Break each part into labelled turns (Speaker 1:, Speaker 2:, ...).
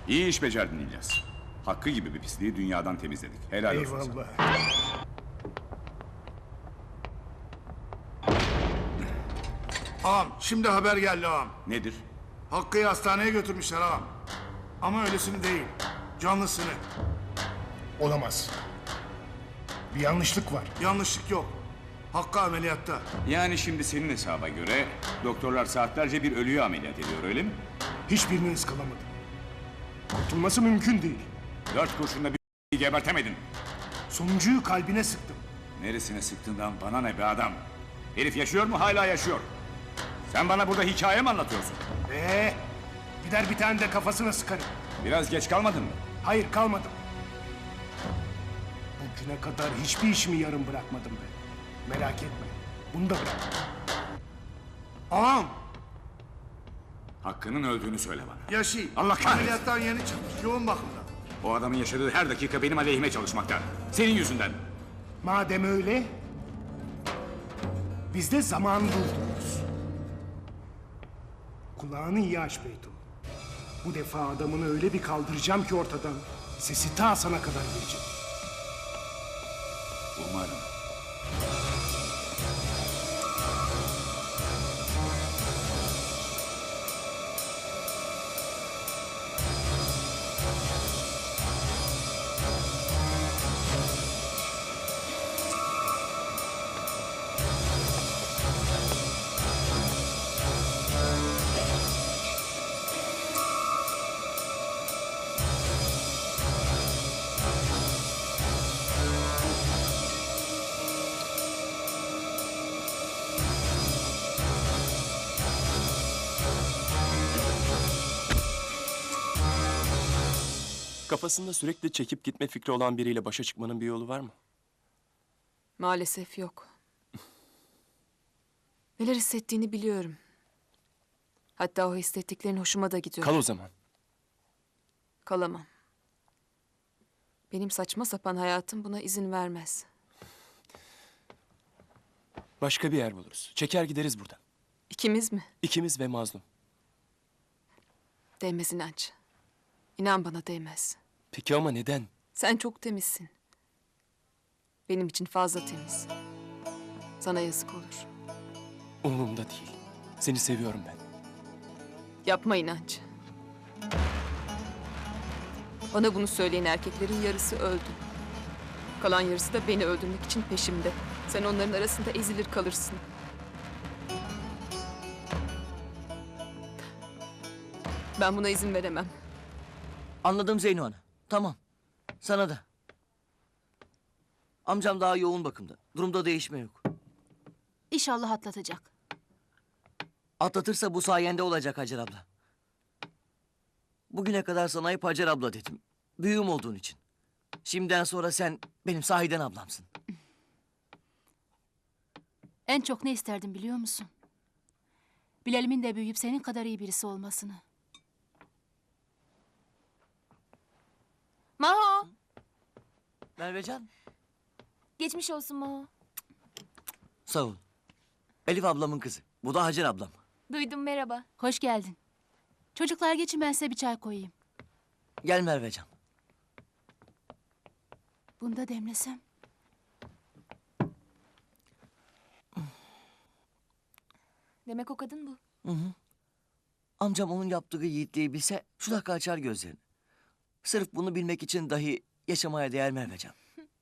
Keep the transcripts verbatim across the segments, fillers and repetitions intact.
Speaker 1: İyi iş becerdin İlyas. Hakkı gibi bir pisliği dünyadan temizledik. Helal olsun sana.
Speaker 2: Eyvallah.
Speaker 3: Ağam şimdi haber geldi ağam.
Speaker 1: Nedir?
Speaker 3: Hakkı'yı hastaneye götürmüşler ağam. Ama öylesini değil. Canlısını.
Speaker 2: Olamaz. Bir yanlışlık var.
Speaker 3: Yanlışlık yok. Hakkı ameliyatta.
Speaker 1: Yani şimdi senin hesaba göre doktorlar saatlerce bir ölüyü ameliyat ediyor, öyle mi?
Speaker 2: Hiçbirini ıskalamadım. Kurtulması mümkün değil.
Speaker 1: Dört kurşunla bir gebertemedin.
Speaker 2: Sonuncuyu kalbine sıktım.
Speaker 1: Neresine sıktığından bana ne be adam? Herif yaşıyor mu? Hala yaşıyor. Sen bana burada hikaye mi anlatıyorsun?
Speaker 2: Ee, gider bir tane de kafasına sıkarım.
Speaker 1: Biraz geç kalmadın mı?
Speaker 2: Hayır, kalmadım. Bugüne kadar hiçbir işimi yarım bırakmadım be. Merak etme. Bunu da bırak.
Speaker 3: Ağam
Speaker 1: Hakkı'nın öldüğünü söyle bana.
Speaker 3: yaşı.
Speaker 1: Allah kahretsin.
Speaker 3: Ameliyattan yeni çıkmış. Yoğun bakımda.
Speaker 1: O adamın yaşadığı her dakika benim aleyhime çalışmakta. Senin yüzünden.
Speaker 2: Madem öyle, biz de zaman buldunuz. Kulağını iyi aç Beyto. Bu defa adamını öyle bir kaldıracağım ki ortadan, sesi ta sana kadar gelecek.
Speaker 1: Umarım.
Speaker 4: Kafasında sürekli çekip gitme fikri olan biriyle başa çıkmanın bir yolu var mı?
Speaker 5: Maalesef yok. Neler hissettiğini biliyorum. Hatta o hissettiklerin hoşuma da gidiyor.
Speaker 4: Kal o zaman.
Speaker 5: Kalamam. Benim saçma sapan hayatım buna izin vermez.
Speaker 4: Başka bir yer buluruz. Çeker gideriz buradan.
Speaker 5: İkimiz mi?
Speaker 4: İkimiz ve mazlum.
Speaker 5: Değmez inanç. İnan bana değmez.
Speaker 4: Peki ama neden?
Speaker 5: Sen çok temizsin. Benim için fazla temiz. Sana yazık olur.
Speaker 4: Umurumda değil. Seni seviyorum ben.
Speaker 5: Yapma inanç. Bana bunu söyleyen erkeklerin yarısı öldü. Kalan yarısı da beni öldürmek için peşimde. Sen onların arasında ezilir kalırsın. Ben buna izin veremem.
Speaker 6: Anladım Zeyno Ana. Tamam. Sana da. Amcam daha yoğun bakımda. Durumda değişme yok.
Speaker 7: İnşallah atlatacak.
Speaker 6: Atlatırsa bu sayende olacak Hacer abla. Bugüne kadar sana hep Hacer abla dedim. Büyüğüm olduğun için. Şimdiden sonra sen benim sahiden ablamsın.
Speaker 7: En çok ne isterdim biliyor musun? Bilal'imin de büyüyüp senin kadar iyi birisi olmasını.
Speaker 8: Maho,
Speaker 6: Mervecan,
Speaker 8: geçmiş olsun Maho.
Speaker 6: sağ ol. Elif ablamın kızı. Bu da Hacer ablam.
Speaker 8: Duydum, merhaba.
Speaker 7: Hoş geldin. Çocuklar geçin, ben size bir çay koyayım.
Speaker 6: Gel Mervecan.
Speaker 7: Bunu da demlesem.
Speaker 8: Demek o kadın bu.
Speaker 6: Hı hı. Amcam onun yaptığı yiğitliği bilse şu dakika açar gözlerini. Sırf bunu bilmek için dahi yaşamaya değer Mervecan.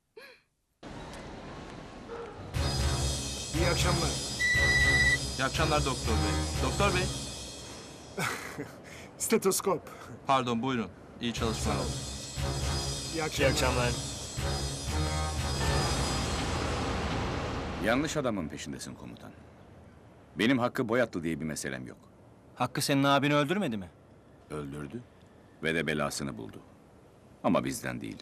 Speaker 2: İyi akşamlar.
Speaker 9: İyi akşamlar doktor bey. Doktor bey.
Speaker 2: Stetoskop.
Speaker 9: Pardon buyurun. İyi çalışmalar.
Speaker 2: İyi akşamlar.
Speaker 1: Yanlış adamın peşindesin komutan. Benim Hakkı Boyatlı diye bir meselem yok.
Speaker 10: Hakkı senin abini öldürmedi mi?
Speaker 1: Öldürdü ve de belasını buldu. Ama bizden değil.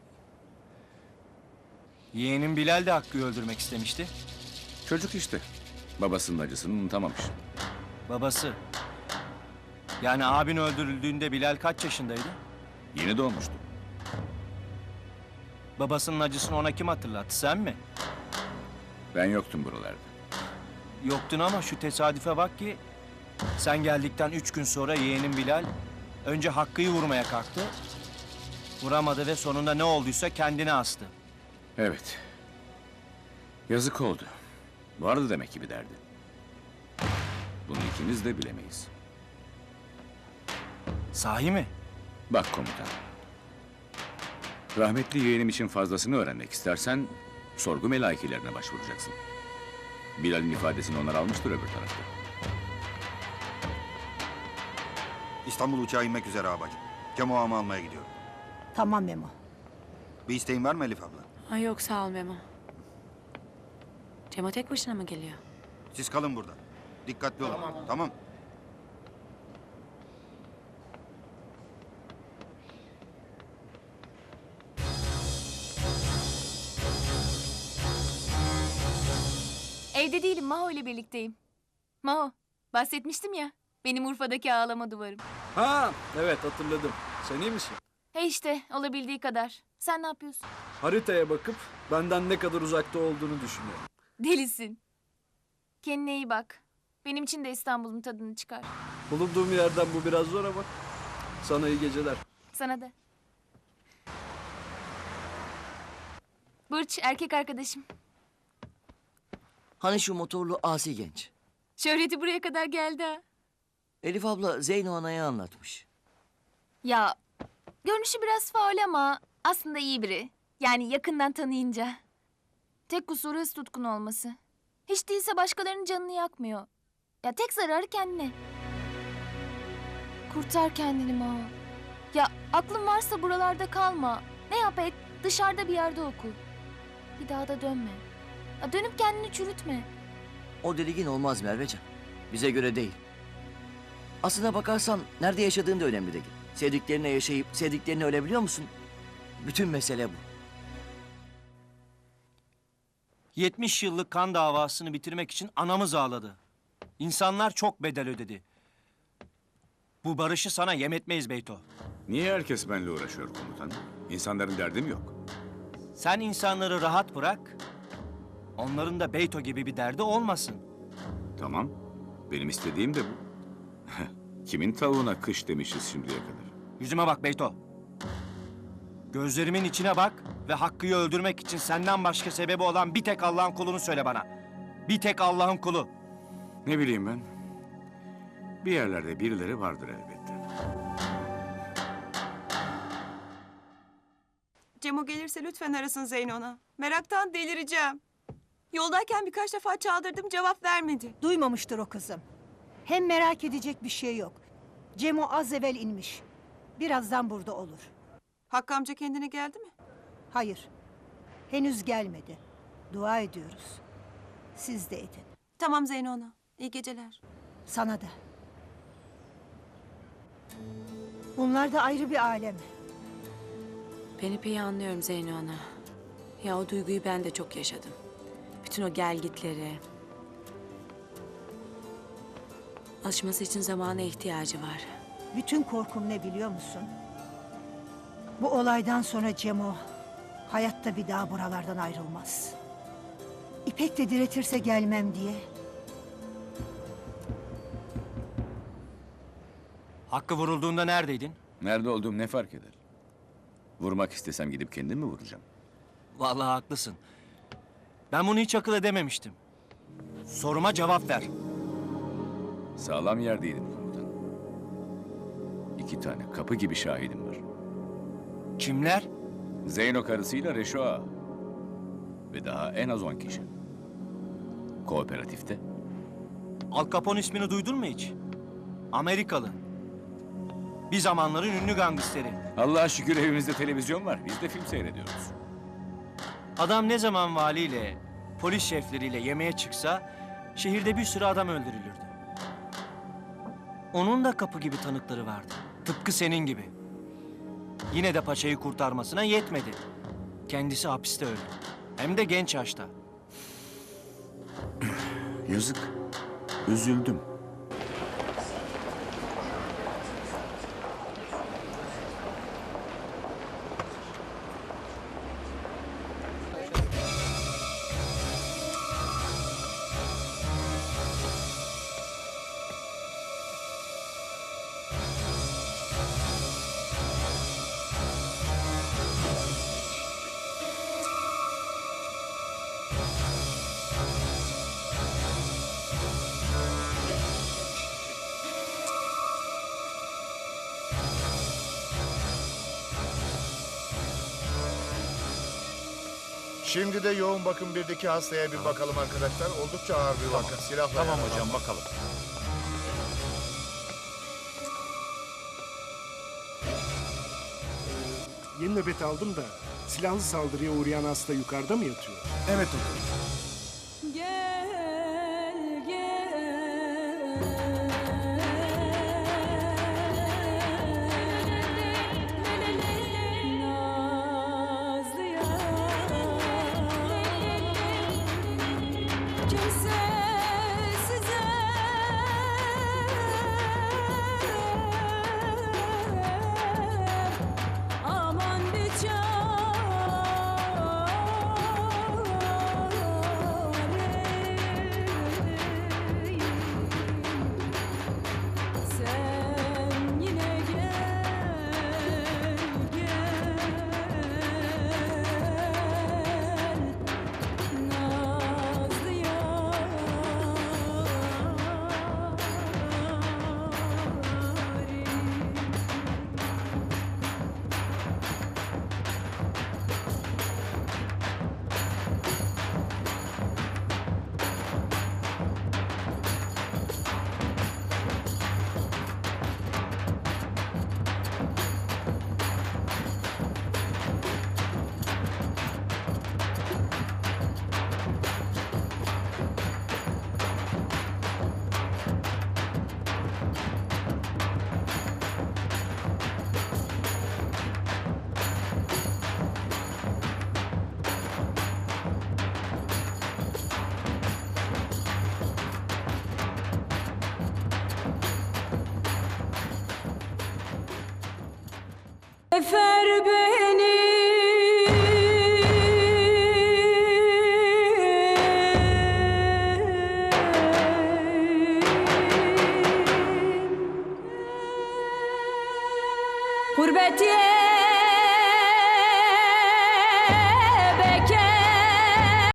Speaker 10: Yeğenin Bilal de Hakkı'yı öldürmek istemişti.
Speaker 1: Çocuk işte. Babasının acısını unutamamış.
Speaker 10: Babası. Yani abin öldürüldüğünde Bilal kaç yaşındaydı?
Speaker 1: Yeni doğmuştu.
Speaker 10: Babasının acısını ona kim hatırlattı, sen mi?
Speaker 1: Ben yoktum buralarda.
Speaker 10: Yoktun ama şu tesadüfe bak ki... ...sen geldikten üç gün sonra yeğenin Bilal... Önce Hakkı'yı vurmaya kalktı. Vuramadı ve sonunda ne olduysa kendini astı.
Speaker 1: Evet. Yazık oldu. Vardı demek ki bir derdi. Bunu ikimiz de bilemeyiz.
Speaker 10: Sahi mi?
Speaker 1: Bak komutan. Rahmetli yeğenim için fazlasını öğrenmek istersen sorgu melaikelerine başvuracaksın. Bilal'in ifadesini onlar almıştır öbür tarafta.
Speaker 11: İstanbul uçağı inmek üzere abacım. Cemo ağamı almaya gidiyorum.
Speaker 12: Tamam Memo.
Speaker 11: Bir isteğin var mı Elif abla?
Speaker 8: Ay yok sağ ol Memo. Cemo tek başına mı geliyor?
Speaker 11: Siz kalın burada. Dikkatli olun. Tamam. tamam.
Speaker 8: Evde değilim, Maho ile birlikteyim. Maho, bahsetmiştim ya. Benim Urfa'daki ağlama duvarım.
Speaker 9: Ha, evet hatırladım. Sen iyi misin?
Speaker 8: He işte, olabildiği kadar. Sen ne yapıyorsun?
Speaker 9: Haritaya bakıp benden ne kadar uzakta olduğunu düşünüyorum.
Speaker 8: Delisin. Kendine iyi bak. Benim için de İstanbul'un tadını çıkar.
Speaker 9: Bulunduğum yerden bu biraz zor ama sana iyi geceler.
Speaker 8: Sana da. Burç, erkek arkadaşım.
Speaker 6: Hani şu motorlu asi genç.
Speaker 8: Şöhreti buraya kadar geldi ha.
Speaker 6: Elif abla Zeyno Ana'ya anlatmış.
Speaker 8: Ya, görünüşü biraz faul ama aslında iyi biri. Yani yakından tanıyınca. Tek kusuru hız tutkun olması. Hiç değilse başkalarının canını yakmıyor. Ya tek zararı kendine. Kurtar kendini Maho. Ya aklın varsa buralarda kalma. Ne yap et, dışarıda bir yerde oku. Bir daha da dönme. Ya dönüp kendini çürütme.
Speaker 6: O deligin olmaz Mervecan. Bize göre değil. Aslına bakarsan nerede yaşadığın da önemli değil. Sevdiklerine yaşayıp sevdiklerine ölebiliyor musun? Bütün mesele bu.
Speaker 10: yetmiş yıllık kan davasını bitirmek için anamız ağladı. İnsanlar çok bedel ödedi. Bu barışı sana yem etmeyiz Beyto.
Speaker 1: Niye herkes benimle uğraşıyor komutan? İnsanların derdi mi yok?
Speaker 10: Sen insanları rahat bırak. Onların da Beyto gibi bir derdi olmasın.
Speaker 1: Tamam. Benim istediğim de bu. Kimin tavuğuna kış demişiz şimdiye kadar?
Speaker 10: Yüzüme bak Beyto. Gözlerimin içine bak ve Hakkı'yı öldürmek için senden başka sebebi olan bir tek Allah'ın kulunu söyle bana. Bir tek Allah'ın kulu.
Speaker 1: Ne bileyim ben. Bir yerlerde birileri vardır elbette.
Speaker 12: Cemo gelirse lütfen arasın Zeyno'na. Meraktan delireceğim. Yoldayken birkaç defa çaldırdım, cevap vermedi.
Speaker 13: Duymamıştır o kızım. Hem merak edecek bir şey yok. Cemo az evvel inmiş. Birazdan burada olur.
Speaker 12: Hakkı amca kendine geldi mi?
Speaker 13: Hayır. Henüz gelmedi. Dua ediyoruz. Siz de edin.
Speaker 12: Tamam Zeyno'na. İyi geceler.
Speaker 13: Sana da. Bunlar da ayrı bir alem.
Speaker 8: Ben ipeyi anlıyorum Zeyno ana. Ya o duyguyu ben de çok yaşadım. Bütün o gelgitleri. Alışması için zamana ihtiyacı var.
Speaker 13: Bütün korkum ne biliyor musun? Bu olaydan sonra Cemo hayatta bir daha buralardan ayrılmaz. İpek de diretirse gelmem diye.
Speaker 10: Hakkı vurulduğunda neredeydin?
Speaker 1: Nerede olduğum ne fark eder? Vurmak istesem gidip kendim mi vuracağım?
Speaker 10: Vallahi haklısın. Ben bunu hiç akıl edememiştim. Soruma cevap ver.
Speaker 1: Sağlam yerdeydim komutan. İki tane kapı gibi şahidim var.
Speaker 10: Kimler?
Speaker 1: Zeyno karısıyla Reşo Ağa. Ve daha en az on kişi. Kooperatifte.
Speaker 10: Al Capone ismini duydun mu hiç? Amerikalı. Bir zamanların ünlü gangsteri.
Speaker 1: Allah'a şükür evimizde televizyon var. Biz de film seyrediyoruz.
Speaker 10: Adam ne zaman valiyle, polis şefleriyle yemeğe çıksa şehirde bir sürü adam öldürülürdü. Onun da kapı gibi tanıkları vardı. Tıpkı senin gibi. Yine de paçayı kurtarmasına yetmedi. Kendisi hapiste öldü. Hem de genç yaşta.
Speaker 1: Yazık. Üzüldüm.
Speaker 3: Şimdi de yoğun bakım birdeki hastaya bir bakalım arkadaşlar. Oldukça ağır bir vaka. Silahla Tamam hocam bakalım.
Speaker 2: Yeni nöbet aldım da silahlı saldırıya uğrayan hasta yukarıda mı yatıyor?
Speaker 3: Evet doktor.
Speaker 12: Gel aman bir sen yine gel gel nazlı yarim. Efer beni Gurbet